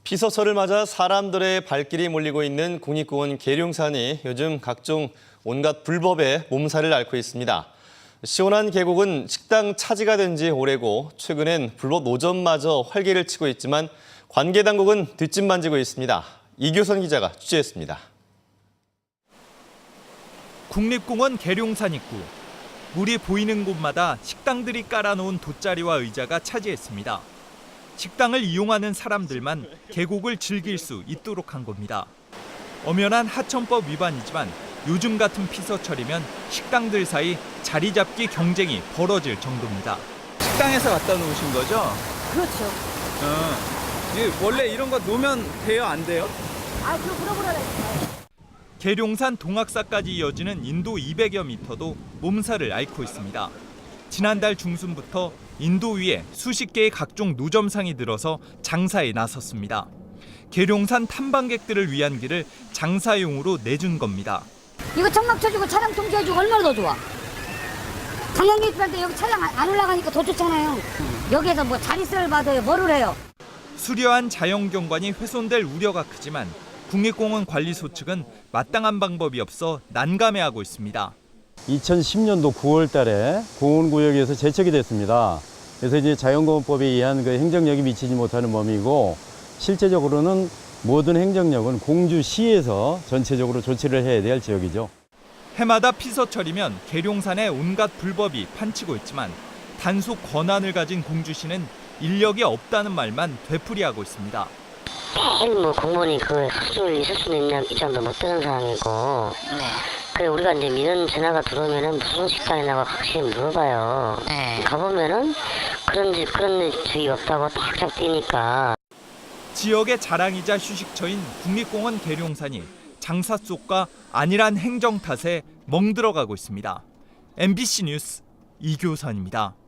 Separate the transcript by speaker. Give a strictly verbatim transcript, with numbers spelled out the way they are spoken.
Speaker 1: 피서철을 맞아 사람들의 발길이 몰리고 있는 국립공원 계룡산이 요즘 각종 온갖 불법의 몸살을 앓고 있습니다. 시원한 계곡은 식당 차지가 된 지 오래고 최근엔 불법 노점마저 활개를 치고 있지만 관계 당국은 뒷짐만지고 있습니다. 이교선 기자가 취재했습니다.
Speaker 2: 국립공원 계룡산 입구. 물이 보이는 곳마다 식당들이 깔아놓은 돗자리와 의자가 차지했습니다. 식당을 이용하는 사람들만 계곡을 즐길 수 있도록 한 겁니다. 엄연한 하천법 위반이지만 요즘 같은 피서철이면 식당들 사이 자리 잡기 경쟁이 벌어질 정도입니다.
Speaker 3: 식당에서 갖다 놓으신 거죠?
Speaker 4: 그렇죠.
Speaker 3: 어. 이게 원래 이런 거 놓으면 돼요, 안 돼요?
Speaker 4: 아, 그럼 물어보라니까.
Speaker 2: 계룡산 동학사까지 이어지는 인도 이백여 미터도 몸살을 앓고 있습니다. 지난달 중순부터 인도 위에 수십 개의 각종 노점상이 들어서 장사에 나섰습니다. 계룡산 탐방객들을 위한 길을 장사용으로 내준 겁니다.
Speaker 4: 이거 청각 쳐주고 차량 통제해주고 얼마나 더 좋아. 관광객들한테 여기 차량 안 올라가니까 더 좋잖아요. 여기에서 뭐 자릿세를 받아요. 뭐를 해요.
Speaker 2: 수려한 자연경관이 훼손될 우려가 크지만 국립공원 관리소 측은 마땅한 방법이 없어 난감해하고 있습니다.
Speaker 5: 이천십 년도 구월 달에 공원구역에서 제척이 됐습니다. 그래서 이제 자연공원법에 의한 그 행정력이 미치지 못하는 범위고 실제적으로는 모든 행정력은 공주시에서 전체적으로 조치를 해야 될 지역이죠.
Speaker 2: 해마다 피서철이면 계룡산에 온갖 불법이 판치고 있지만 단속 권한을 가진 공주시는 인력이 없다는 말만 되풀이하고 있습니다.
Speaker 6: 매일 뭐 공무원이 그 수준을 있을 수는 있냐 입장도 못 드는 상황이고,
Speaker 7: 네.
Speaker 6: 그래 우리가 이제 민원 전화가 들어오면은 무슨 식당이냐고 확실히 물어봐요.
Speaker 7: 네.
Speaker 6: 가보면은 그런 집 그런 집이 없다고 탁탁 뛰니까.
Speaker 2: 지역의 자랑이자 휴식처인 국립공원 계룡산이 장사 속과 안일한 행정 탓에 멍들어가고 있습니다. 엠비씨 뉴스 이교선입니다.